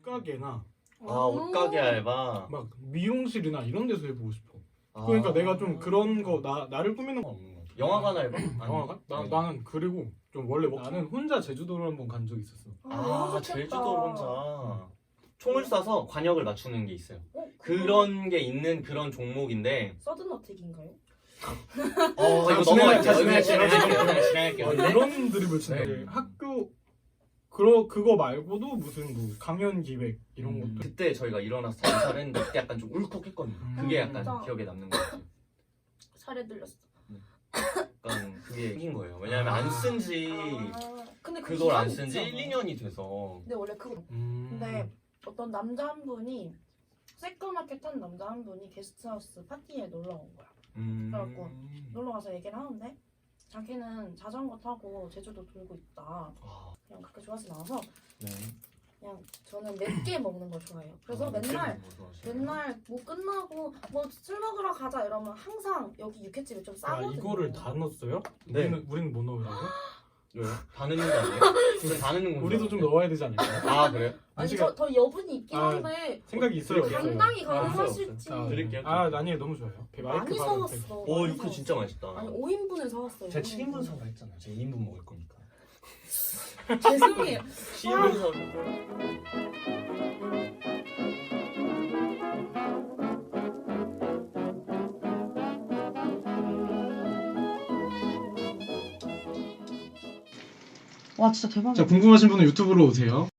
옷가게나 옷가게 알바. 막 미용실이나 이런 데서 해보고 싶어. 아. 그러니까 내가 좀 그런 거 나를 꾸미는 거 없는 것 같아. 영화관 알바? 영화관? 아니. 나는 그리고 좀 원래 나는 혼자 제주도를 한번 간 적이 있었어. 아, 제주도 혼자 총을 쏴서 관역을 맞추는 게 있어요. 그런 그런 게 있는 그런 종목인데 서든어택인가요? 이거 진행할게요. 넘어갈게요. 진행할게요. 진행할게요. 이런 드립을 치네. 네. 학교 그거 말고도 무슨 뭐 강연 기획 이런 것도 그때 저희가 일어나서 단사를 했는데 그때 약간 좀 울컥했거든요. 그게 약간 진짜. 기억에 남는 것 같아요. 살에 들렸어. 약간 그게 생긴 거예요. 왜냐하면 안 쓴 지 근데 그 그걸 안 기간이 쓴 지 있지 1, 않아요? 2년이 돼서 근데 원래 그거 근데 어떤 남자 한 분이 새까맣게 탄 남자 한 분이 게스트하우스 파티에 놀러 온 거야. 그래갖고 놀러 가서 얘기를 하는데 자기는 자전거 타고 제주도 돌고 있다. 아, 그냥 그렇게 좋아하진 않아서 네. 그냥 저는 맵게 먹는 걸 좋아해요. 그래서 맨날 뭐 끝나고 뭐 술 먹으러 가자 이러면 항상 여기 육회집이 좀 아 싸거든요. 이거를 다 넣었어요? 네. 우리는 뭐 넣으라고? 왜요? 다 넣는 거 아니에요? 우리 다 넣는 거 우리도 좀 넣어야 되지 않을까? 아 그래요? 아니 음식에 더 여분이 있긴 아, 한데 생각이 있어요. 드릴게요. 당당히 아, 가능하실지. 드릴게요. 아니에요 너무 좋아요. 많이 마이크 사왔어. 오 이거 진짜 맛있다. 아니 5인분을 사왔어요. 제가 7인분 사과 했잖아요. 제가 2인분 먹을 거니까. 죄송해요. 7인분 사과. 와 진짜 대박이야. 자 궁금하신 분은 유튜브로 오세요.